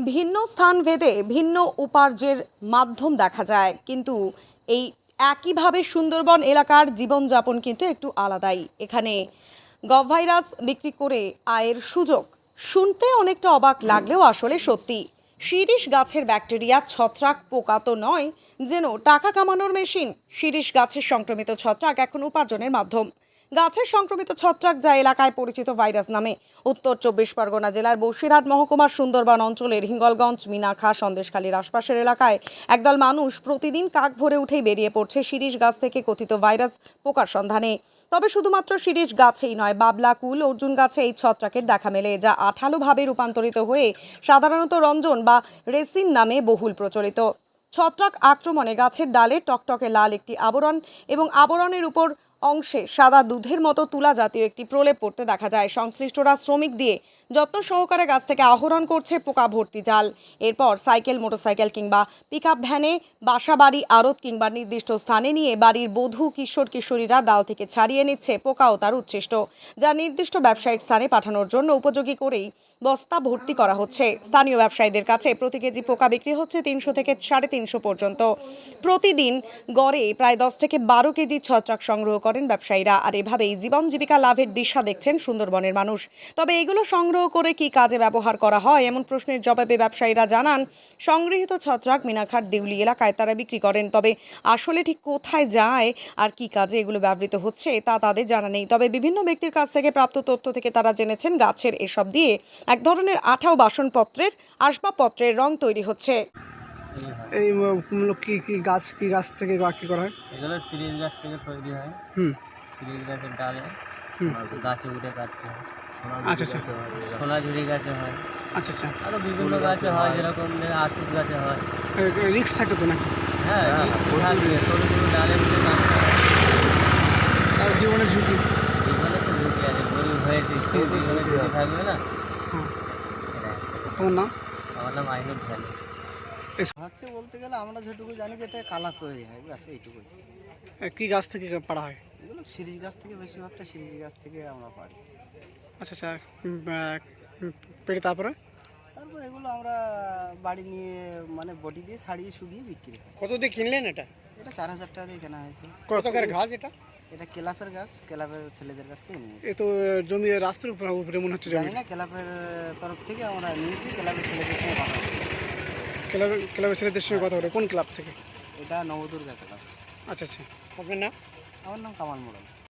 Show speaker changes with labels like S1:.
S1: ভিন্ন স্থান ভেদে ভিন্ন উপার্জের মাধ্যম দেখা যায়, কিন্তু এই একইভাবে সুন্দরবন এলাকার জীবনযাপন কিন্তু একটু আলাদাই। এখানে গভভাইরাস বিক্রি করে আয়ের সুযোগ শুনতে অনেকটা অবাক লাগলেও আসলে সত্যি। শিরীষ গাছের ব্যাকটেরিয়া ছত্রাক পোকা তো নয়, যেন টাকা কামানোর মেশিন। শিরীষ গাছের সংক্রমিত ছত্রাক এখন উপার্জনের মাধ্যম। গাছের সংক্রমিত ছত্রাক, যা এলাকায় পরিচিত ভাইরাস নামে, উত্তর 24 পরগনা জেলার বসিরহাট মহকুমার সুন্দরবন অঞ্চলের হিঙ্গলগঞ্জ, মিনাখা, সন্দেশখালীর আশপাশের এলাকায় একদল মানুষ প্রতিদিন কাক ভরে উঠেই বেরিয়ে পড়ছে শিরীষ গাছ থেকে কথিত ভাইরাস পোকার সন্ধানে। তবে শুধুমাত্র শিরীষ গাছেই নয়, বাবলা, কুল, অর্জুন গাছে এই ছত্রাকের দেখা মেলে, যা আঠালোভাবে রূপান্তরিত হয়ে সাধারণত রঞ্জন বা রেসিন নামে বহুল প্রচলিত। ছত্রাক আক্রমণে গাছের ডালে টকটকে লাল একটি আবরণ এবং আবরণের উপর অংশে সাদা দুধের মতো তুলা জাতীয় একটি প্রলেপ পড়তে দেখা যায়। সংশ্লিষ্টরা শ্রমিক দিয়ে যত্ন সহকারে গাছ থেকে আহরণ করছে পোকা ভর্তি জাল। এরপর সাইকেল, মোটরসাইকেল কিংবা পিকআপ ভ্যানে, বাসা বাড়ি, আড়ত কিংবা নির্দিষ্ট স্থানে নিয়ে বাড়ির বধূ, কিশোর কিশোরীরা ডাল থেকে ছাড়িয়ে নিচ্ছে পোকা ও তার উচ্ছিষ্ট, যা নির্দিষ্ট ব্যবসায়িক স্থানে পাঠানোর জন্য উপযোগী করেই বস্তা ভর্তি করা হচ্ছে। স্থানীয় ব্যবসায়ীদের কাছে প্রতি কেজি পোকা বিক্রি হচ্ছে 300 থেকে 350 পর্যন্ত। প্রতিদিন গড়ে প্রায় 10 থেকে 12 কেজি ছত্রাক সংগ্রহ করেন ব্যবসায়ীরা। আর এভাবেই জীবন জীবিকা লাভের দিশা দেখছেন সুন্দরবনের মানুষ। তবে এগুলো সংগ্রহ করে কি কাজে ব্যবহার করা হয়, এমন প্রশ্নের জবাবে ব্যবসায়ীরা জানান, সংগৃহীত ছত্রাক মিনাখার দেউলি এলাকায় তারা বিক্রি করেন। তবে আসলে ঠিক কোথায় যায় আর কি কাজে এগুলো ব্যবহৃত হচ্ছে তা তাদের জানা নেই। তবে বিভিন্ন ব্যক্তির কাছ থেকে প্রাপ্ত তথ্য থেকে তারা জেনেছেন, গাছের এসব দিয়ে এক ধরনের আঠা ও বাসনপত্রের, আসবাবপত্রের রং তৈরি হচ্ছে।
S2: এই কি গাছ থেকে কি করা হয়?
S3: এগুলো শিরীষ গাছ থেকে তৈরি হয়। শিরীষ গাছের ডালে গাছে উঠে কাটতে হয়।
S2: আচ্ছা আচ্ছা।
S3: সোনাঝুরি গাছে হয়।
S2: আচ্ছা আচ্ছা।
S3: আরো বিভিন্ন গাছে হয়, যেরকম আশুক গাছে হয়।
S2: রিক্স থাকে তো নাকি?
S3: হ্যাঁ, থাকবে। ছোটো ছোটো ডালে উঠে কাটতে হয়।
S2: আর জীবনের ঝুঁকি?
S3: জীবনে তো ঝুঁকি আছে, গরিব হয়েছে, জীবনে ঝুঁকি থাকবে না।
S2: তোমার নাম?
S3: আমার নাম আইনুল ভ্যালি।
S4: হচ্ছে বলতে গেলে আমরা যেটুকু জানি যে এটা কালা তৈরি হয়, ব্যাস এইটুকুই।
S2: কি গাছ থেকে পাড়া হয়?
S4: এগুলো শিরীষ গাছ থেকে, বেশিরভাগটা শিরীষ গাছ থেকে আমরা পাই।
S2: আচ্ছা আচ্ছা। পেড়ে তারপরে
S4: এগুলো আমরা বাড়ি নিয়ে মানে বটি দিয়ে ছাড়িয়ে শুকিয়ে বিক্রি করি।
S2: কত দিয়ে কিনলেন এটা?
S4: এটা 4000 টাকা দিয়ে কেনা হয়েছে।
S2: কত করে গাছ এটা?
S4: এটা কেলাফের গাছ, কেলাফের ছেলেদের কাছ থেকে নিয়েছি।
S2: এ তো জমি রাস্তার উপরে মনে হচ্ছে।
S4: জানি না, কেলাফের তরফ থেকে আমরা নিয়েছি, কেলাফের ছেলেদের সঙ্গে কথা বলি।
S2: ক্লাবের ছেলেদের সঙ্গে কথা বলে? কোন ক্লাব থেকে?
S4: এটা নবদুর্গা ক্লাব।
S2: আচ্ছা আচ্ছা। আপনার নাম?
S4: আমার নাম কামাল মোড়ল।